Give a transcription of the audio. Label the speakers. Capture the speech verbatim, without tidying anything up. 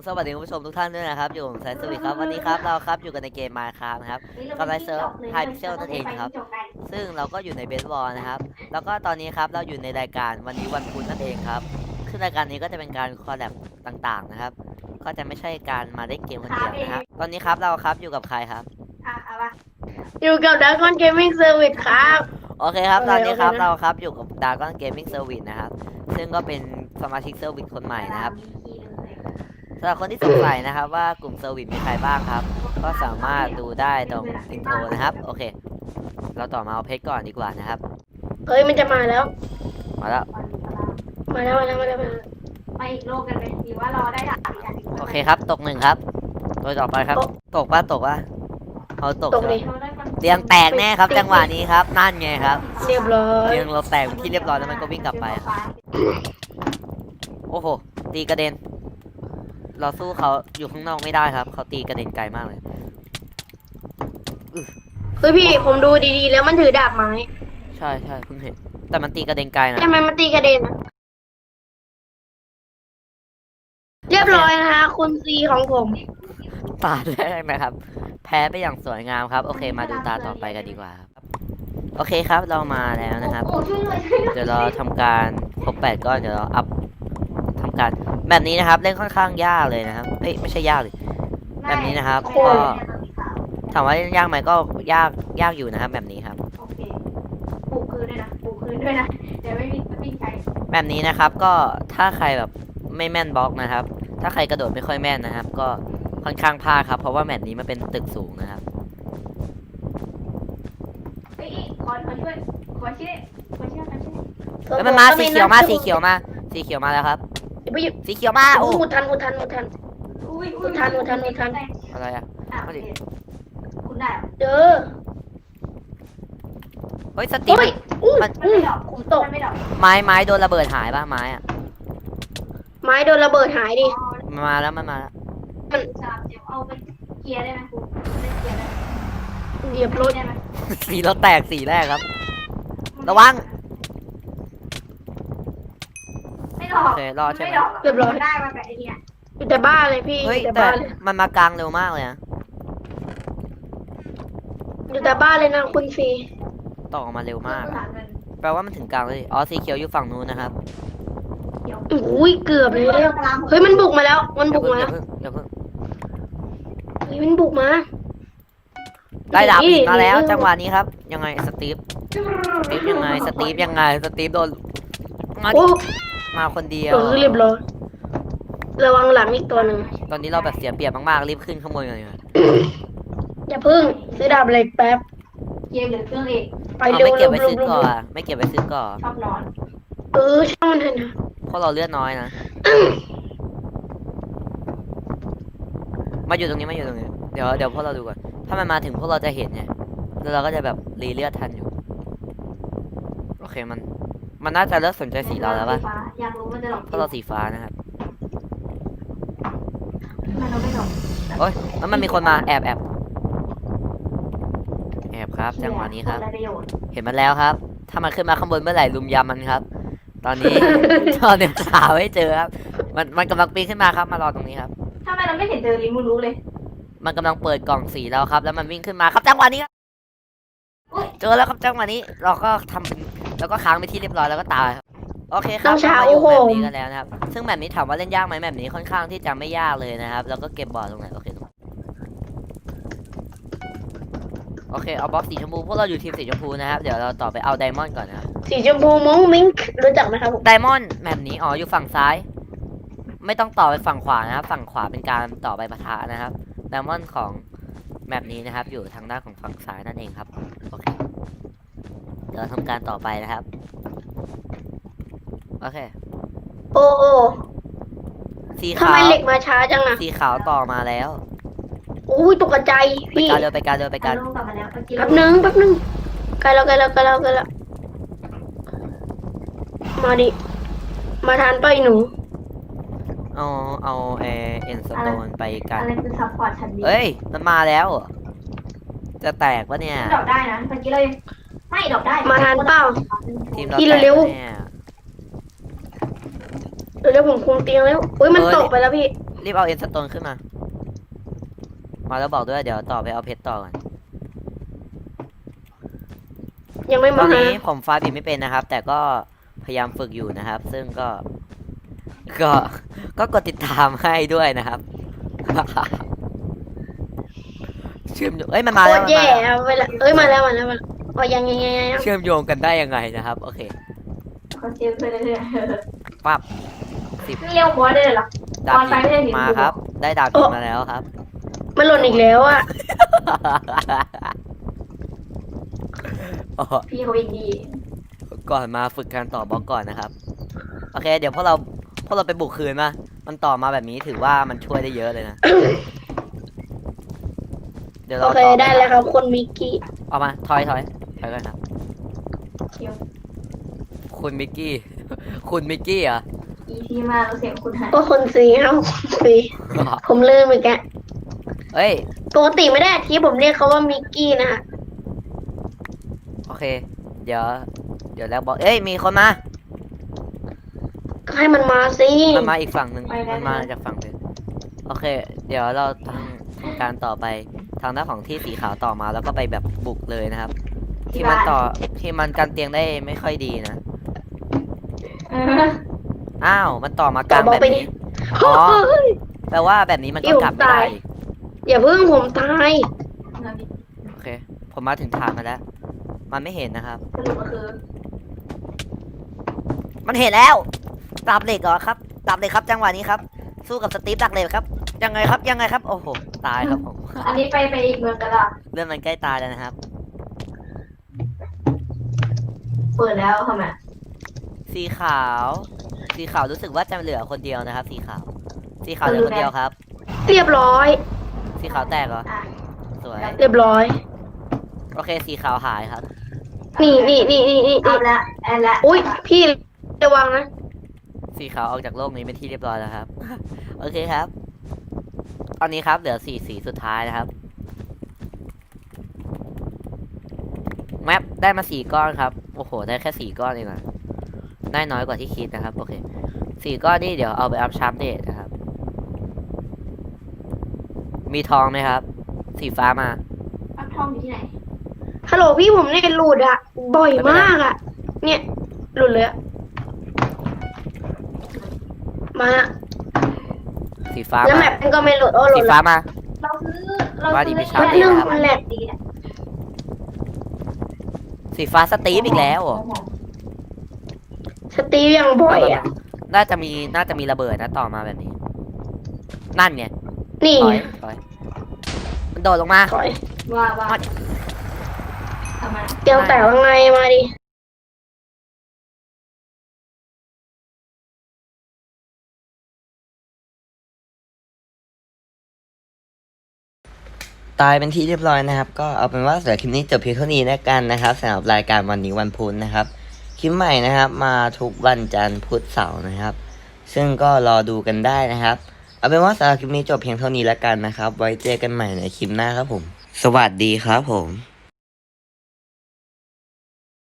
Speaker 1: สวัสดีคุณผู้ชมทุกท่านด้วยนะครับอยู่ผมไซส์สวิตครับวันนี้ครับเราครับอยู่กันในเกม Minecraft นะครับกับไลฟ์เซิร์ฟไฮพิกเซลนั่นเองครับซึ่งเราก็อยู่ในเบสบอลนะครับแล้วก็ตอนนี้ครับเราอยู่ในรายการวันนี้วันพุธนั่นเองครับซึ่งรายการนี้ก็จะเป็นการคอลแลบต่างๆนะครับก็จะไม่ใช่การมาเล่นเกมคนเดียวนะครับตอนนี้ครับเราครับอยู่กับใครครับ
Speaker 2: อยู่กับดักคอนเกมมิ่งเซอร์วิสครับ
Speaker 1: โอเคครับตอนนี้ครับ
Speaker 2: โอเคนะ
Speaker 1: เราครับอยู่กับ Dragon Gaming Service นะครับซึ่งก็เป็นสมาชิกเซอร์วิสคนใหม่นะครับสำหรับคนที่สงสัยนะครับว่ากลุ่มเซอร์วิสมีใครบ้างครับก็สามารถดูได้ตรงอินโทรนะครับโอเคเราต่อมาเอาเพชรก่อนดีกว่านะครับ
Speaker 2: เฮ้ยมันจะมาแล้ว
Speaker 1: มาแล้ว
Speaker 2: มาแล้วมาแล้วมาแล้วมาแล้ว
Speaker 3: ไปอีกโลกกันไหมหรือว่ารอได้ดาบอีกอันหนึ่ง
Speaker 1: โอเคครับตกหนึ่งครับตัวต่อไปครับตกป่ะตกป่ะเอาตก
Speaker 2: ตกดิ
Speaker 1: เตียงแตกแน่ครับจังหวะนี้ครับนั่นไงครับ
Speaker 2: เรียบร้อย
Speaker 1: เตียงเราแตกเป็นที่เรียบร้อยแล้วมันก็วิ่งกลับไปครับโอ้โหตีกระเด็น เราสู้เขาอยู่ข้างนอกไม่ได้ครับเขาตีกระเด็นไกลมากเลย
Speaker 2: เฮ้ยพี่ผมดูดีๆแล้วมันถือดาบไม้
Speaker 1: ใช่ใช่เพิ่งเห็นแต่มันตีกระเด็นไกลนะ
Speaker 2: ทำไมมันตีกระเด็นอะเรียบร้อยนะคะคุณซีของผม
Speaker 1: ตาแรกนะครับ แพ้ไปอย่างสวยงามครับ โอเคมาดูตาต่อไปกันดีกว่าครับโอเคครับเรามาแล้วนะครับ
Speaker 3: โอ้ช่วยเลยช่วยเลย
Speaker 1: เดี๋ยวเราทำการครบแปดก้อนเดี๋ยวเราอัพทำการแบบนี้นะครับ เล่นค่อนข้างยากเลยนะครับเอ้ยไม่ใช่ยากเลยแบบนี้นะครับ
Speaker 2: โอ้
Speaker 1: ก็
Speaker 2: ย
Speaker 1: ถามว่าเล่นยากไหมก็ยากยากอยู่นะครับ แบบนี้ครับ
Speaker 3: โอเคปลูกคืนด้วยนะปลูกคืนด้วยนะเดี๋ยวไม่มีไม่มีใคร
Speaker 1: แบบนี้นะครับ ก็ถ้าใครแบบไม่แม่นบล็อกนะครับ ถ้าใครกระโดดไม่ค่อยแม่นนะครับ ก็ค่อนข้างพลาดครับ เพราะว่าแบบนี้มันเป็นตึกสูงนะครับ
Speaker 3: เฮ้ยขอขอช่วยขอช่วยขอช่วยกันช่วย
Speaker 1: แล้วมันมาสีเขียวมาสีเขียวมาสีเขียวมาแล้วครับ
Speaker 2: เดี๋ยวไปหยิบ
Speaker 1: สีเขียวมา
Speaker 2: โอ้
Speaker 1: โอ้
Speaker 2: หมุดทันหมุดทันหมุดทัน
Speaker 3: อุ้ย
Speaker 2: อุทานอุทานอุทาน
Speaker 1: อะไรอะ
Speaker 3: อ่ะโอเคคุณได้เหรอ
Speaker 2: เจอ
Speaker 1: เฮ้ยสติ
Speaker 2: เฮ้ยอู้
Speaker 1: มัน
Speaker 3: มันไม่ดอก
Speaker 2: ผมตก
Speaker 3: มันไม่ดอก
Speaker 1: ไม้ไม้โดนระเบิดหายป่ะไม้อะ
Speaker 2: ไม้โดนระเบิดหายดิ
Speaker 1: มันมาแล้วมันมาแล้ว
Speaker 3: สามเดี๋ยวเอาไปเคลียร์ได้ไหมครูได้เคลียร์ได้
Speaker 2: เหยียบรถ
Speaker 3: ได้ไหม
Speaker 1: สีเราแตกสีแรกครับ ระวัง
Speaker 3: ไม่ดอก
Speaker 1: โอเครอดใช่ไหม
Speaker 3: ไม่ดอก
Speaker 2: เรียบร้อย
Speaker 3: ได้มาแต่ไอเนี่ย
Speaker 2: อยู่แต่บ้านเลยพี่อ
Speaker 1: เฮ้ย
Speaker 2: ยู่แต่
Speaker 1: แต่
Speaker 2: บ้านเลย
Speaker 1: มันมากลางเร็วมากเลยนะ
Speaker 2: อยู่แต่บ้านเลยนะคุณซี
Speaker 1: ต่อออกมาเร็วมาก
Speaker 3: หาเงิน
Speaker 1: แปลว่ามันถึงกลางเลยอ๋อสีเขียวอยู่ฝั่งนู้นนะครับ
Speaker 3: เดี๋ยว
Speaker 2: อุ้ยเกือบเลยเนี่ยเฮ้ยมันบุกมาแล้ว มัน
Speaker 1: อย่า
Speaker 2: บุก
Speaker 1: เพิ่ง
Speaker 2: มา
Speaker 1: อย่าเพิ่งอย่าเพิ่ง
Speaker 2: เฮ้ยมันบุกมา
Speaker 1: ได้ดาบหินมาแล้ว
Speaker 2: นี่
Speaker 1: จังหวะนี้ครับ ยังไงสตีฟสตีฟยังไงสตีฟยังไงสตีฟโดนมาดิ
Speaker 2: โอ้
Speaker 1: มาคนเดียว
Speaker 2: เออเรียบร้อยระวังหลังอีกตัวหนึ่ง
Speaker 1: ตอนนี้เราแบบเสียเปรียบมากๆรีบขึ้นข้างบนกันเลย
Speaker 2: อย่าพึ่งซื้อดาบเหล็กแป๊บ
Speaker 3: เคลียร์เหลือเครื่องเอก
Speaker 2: ไป
Speaker 1: เอา
Speaker 2: เร็ว
Speaker 1: ไม่เก็
Speaker 2: เร็
Speaker 1: บ
Speaker 2: ว
Speaker 1: ไว้
Speaker 2: เร็ว
Speaker 1: ซื้อ
Speaker 2: เร็ว
Speaker 1: ก่อนไม่เก็บไว้ซื้อก่อน
Speaker 3: ชอบนอน
Speaker 2: เออช่างมันเถอะนะ
Speaker 1: เพราะเราเลือดน้อยนะมาอยู่ตรงนี้มาอยู่ตรงนี้เดี๋ยวเดี๋ยวพวกเราดูก่อนถ้ามันมาถึงพวกเราจะเห็นไงแล้วเราก็จะแบบรีเลือดทันอยู่โอเคมัน มันน่าจะเลิกสนใจสีเราแล้วป่ะ
Speaker 3: อยากรู้มันจะหลอก
Speaker 1: เพราะเราสีฟ้านะครับ
Speaker 3: มันเราไม่หลอก
Speaker 1: โอ้ยแล้วมันมีคนมาแอบแอบแอบครับจังหวะนี้ครับ
Speaker 3: ได้ประโยชน์
Speaker 1: เห็นมันแล้วครับ ถ้ามันขึ้นมาข้างบนเมื่อไหร่ลุมยำมันครับ ตอนนี้ ตอนนี้หาไม่เจอครับ มันมันกำลังปีนขึ้นมาครับ มารอตรงนี้ครับ
Speaker 3: ทำไมเราไม่เห็นเจอริมูรู้เลย
Speaker 1: มันกำลังเปิดกล่องสีแล้วครับ แล้วมันวิ่งขึ้นมาครับจังหวะนี้ครับเจอแล้วครับจังหวะนี้ เราก็ทำเป็นแล้วก็ค้างไปที่เรียบร้อยแล้วก็ตายครับ โอเคครับเรามาอยู่แบบนี้กันแล้วนะครับ ซึ่งแบบนี้ถามว่าเล่นยากไหมแบบนี้ค่อนข้างที่จะไม่ยากเลยนะครับ แล้วก็เก็บบอร์ดตรงไหนโอเคตรงไหนโอเคเอาบล็อกสีชมพูพวกเราอยู่ทีมสีชมพูนะครับ เดี๋ยวเราต่อไปเอาไดมอนด์ก่อนนะครับ
Speaker 2: สีชมพูมุ้งมิ้งรู้จักไหมครับผม
Speaker 1: ไดมอนด์แบบนี้อ๋ออยู่ฝั่งซ้าย ไม่ต้องต่อไปฝั่งขวานะครับ ฝั่งขวาเป็นการต่อไปปะทะนะครับไดมอนด์ของแบบนี้นะครับ อยู่ทางด้านของฝั่งซ้ายนั่นเองครับโอเคเดี๋ยวทำการต่อไปนะครับโอเค
Speaker 2: โอ้โอ้
Speaker 1: สี
Speaker 2: ทำ
Speaker 1: ขาว
Speaker 2: ไมเหล็กมาช้าจังอะ
Speaker 1: สีขาวต่อมาแล้ว
Speaker 2: อุ้ยตกใจ
Speaker 1: ไป
Speaker 2: พี่
Speaker 1: การเร็วไปการเร็วไปการ
Speaker 3: ลงกลับมาแล้วเมื่อกี้
Speaker 2: แป๊บนึงแป๊บนึงใกล้แล้วใกล้แล้วใกล้แล้วใกล้แล้วมาดิมาทานไปหนู
Speaker 1: เอาเอาเอเอ็นสโตนไปกัน
Speaker 3: อะไรคือซัพพอร์ตชั้นดี
Speaker 1: เอ้ยมันมาแล้วเหรอจะแตกปะเนี่ย
Speaker 3: ดอกได้นะเมื่อกี้เลยไม่ดอกได้
Speaker 2: มาทานเปล่า
Speaker 1: ทีมเรา
Speaker 2: พี่
Speaker 1: แตก
Speaker 2: เร็ว
Speaker 1: ปะเนี่ย
Speaker 2: เดี๋ยวผมคุมเตียงแล้วอุ้ยมันตกไปแล้วพี่
Speaker 1: รีบเอาเอ็นสโตนขึ้นมา มาแล้วบอกด้วยเดี๋ยวต่อไปเอาเพชรต่อก่อน
Speaker 2: ยังไม่
Speaker 1: ตอ
Speaker 2: มาน หา
Speaker 1: นี้ผมฟ้าบินไม่เป็นนะครับ แต่ก็พยายามฝึกอยู่นะครับ ซึ่งก็ ก็ ก็กดติดตามให้ด้วยนะครับ เชื่อมโยงเอ้ยมันมา
Speaker 2: โค
Speaker 1: แล้ว
Speaker 2: ตร
Speaker 1: มัน
Speaker 2: แย่
Speaker 1: มาแล้ว
Speaker 2: อะเวลาเอ้ยมาแล้วมาแล้วมาแล้วอ๋อยังยังยังยัง
Speaker 1: เชื่อมโยงกันได้ยังไงนะครับ โอเค
Speaker 3: เขาเจ็บไปเรื่อย
Speaker 1: ปั๊บสิบ
Speaker 3: ๆนี่เรียกหัวได้เลยเหรอ
Speaker 1: ดาบ
Speaker 3: ตอนไปไม่ได้
Speaker 1: หิ
Speaker 3: เห็
Speaker 1: น
Speaker 3: น
Speaker 1: มา
Speaker 3: ดู
Speaker 1: ครับ ได้ดาบหินมาแล้วครับ
Speaker 2: มันหล่นอีกแล้วอะ
Speaker 1: อ๋อ
Speaker 3: พี่เขาอินดี
Speaker 1: ก่อนมาฝึกการต่อบล็อกก่อนนะครับ โอเค เดี๋ยวพวกเราพวกเราไปบุกคืนมา มันต่อมาแบบนี้ถือว่ามันช่วยได้เยอะเลยนะ เดี๋ยว
Speaker 2: โอ
Speaker 1: เรา
Speaker 2: เค
Speaker 1: ต่อ
Speaker 2: ได้แล้วครับคนมิกกี้
Speaker 1: เอามาถอยถอยถอยกันครับ
Speaker 3: เคียว
Speaker 1: คุณมิกกี้ คุณมิกกี้เหรอ่ะ
Speaker 3: อีที่มาเราเสียงคุณหาย
Speaker 2: ก็คนสีครับคนสีผมลืมอีกแก
Speaker 1: เฮ้ย
Speaker 2: ปกติไม่ได้ที่ผมเรียกเขาว่ามิกกี้นะฮะ
Speaker 1: โอเค เดี๋ยว เดี๋ยวแล้วบอก เอ้ย มีคนมา
Speaker 2: ก็ให้มันมาสิ
Speaker 1: มันมาอีกฝั่งหนึ่งมันมาจากฝั่งหนึ่งโอเค เดี๋ยวเราทำทำการต่อไปทางด้านของที่สีขาวต่อมาแล้วก็ไปแบบบุกเลยนะครับ ที่มันต่อที่มันกันเตียงได้ไม่ค่อยดีนะ
Speaker 3: เออ
Speaker 1: อ้าว มันต่อมากลางแบบนี้ อ๋อ แปลว่าแบบนี้มันก็กลับไม่ได้อีก
Speaker 2: อย่าเพิ่งผมตาย
Speaker 1: โอเค ผมมาถึงฐานมาแล้ว มันไม่เห็นนะครับ
Speaker 3: สรุปก็คือ
Speaker 1: มันเห็นแล้วดาบเหล็กเหรอครับดาบเหล็กครับจังหวะนี้ครับ สู้กับสตีฟดักเหล็กครับ ยังไงครับ ยังไงครับ โอ้โห ตายครับผม
Speaker 3: อันนี้ไปไปอีกเมืองกันละ
Speaker 1: เรื่องมันใกล้ตายแล้วนะครับ
Speaker 3: เปิดแล้วทำไม
Speaker 1: สีขาว สีขาวรู้สึกว่าจะเหลือคนเดียวนะครับ สีขาว สีขาวเหลือคนเดียวครับ
Speaker 2: เรียบร้อย
Speaker 1: สีขาวแตกเหรอ
Speaker 3: อ่ะ
Speaker 1: สวย
Speaker 2: เรียบร้อย
Speaker 1: โอเค สีขาวหายครับ
Speaker 2: นี่นี่นี่นี่นี่
Speaker 3: เอาละแอนละ
Speaker 2: อุ้ยพี่ระวังนะ
Speaker 1: สีขาวออกจากโลกนี้เป็นที่เรียบร้อยแล้วครับ โอเคครับ ตอนนี้ครับเหลือสี่สีสุดท้ายนะครับ แมปได้มาสี่ก้อนครับ โอ้โห ได้แค่สี่ก้อนเองอะได้น้อยกว่าที่คิดนะครับ โอเคสี่ก้อนนี่เดี๋ยวเอาไปอัพชาร์ปเดตนะครับ มีทองไหมครับ สีฟ้ามา
Speaker 3: รับทองอยู่ที่ไหน
Speaker 2: ฮัลโหลพี่ผมเนี่ยหลุดอะบ่อยมากอะเนี่ยหลุดเลยอะมา
Speaker 1: สีฟ้า
Speaker 2: แล้ว
Speaker 1: มา
Speaker 2: แมปมันก็ไม่หลุดโอ้หลุ
Speaker 1: สี
Speaker 2: ด
Speaker 1: ฟ้า
Speaker 2: ละ
Speaker 1: มา
Speaker 3: เราซื้อเรา
Speaker 1: ว่าดิ
Speaker 3: ซื้อ
Speaker 1: มีชาร์
Speaker 2: แป๊
Speaker 1: ป
Speaker 2: บ
Speaker 1: เด
Speaker 2: นึ
Speaker 1: ต
Speaker 2: ง
Speaker 1: ครับ
Speaker 2: มันแหลก
Speaker 3: ดีนะ
Speaker 1: สีฟ้าสตีฟอีกแล้วเหรอ
Speaker 2: สตีฟยังบ่อยอะ
Speaker 1: น่าจะมี น่าจะมีระเบิดนะต่อมาแบบนี้ นั่นไง
Speaker 2: นี่
Speaker 1: ถอ
Speaker 2: ไง
Speaker 1: ยถอยมันโดดลงมา
Speaker 2: ถอย
Speaker 3: ว่าว่าทำไม
Speaker 2: เตียงแตกยังไงมาดิ
Speaker 1: ตายเป็นที่เรียบร้อยนะครับ ก็เอาเป็นว่าสำหรับคลิปนี้จบเพียงเท่านี้แล้วกันนะครับสำหรับรายการวันนี้วันพุธนะครับ คลิปใหม่นะครับ มาทุกวันจันทร์พุธเสาร์นะครับ ซึ่งก็รอดูกันได้นะครับ เอาเป็นว่าสำหรับคลิปนี้จบเพียงเท่านี้แล้วกันนะครับ ไว้เจอกันใหม่ในคลิปหน้าครับผม สวัสดีครับผม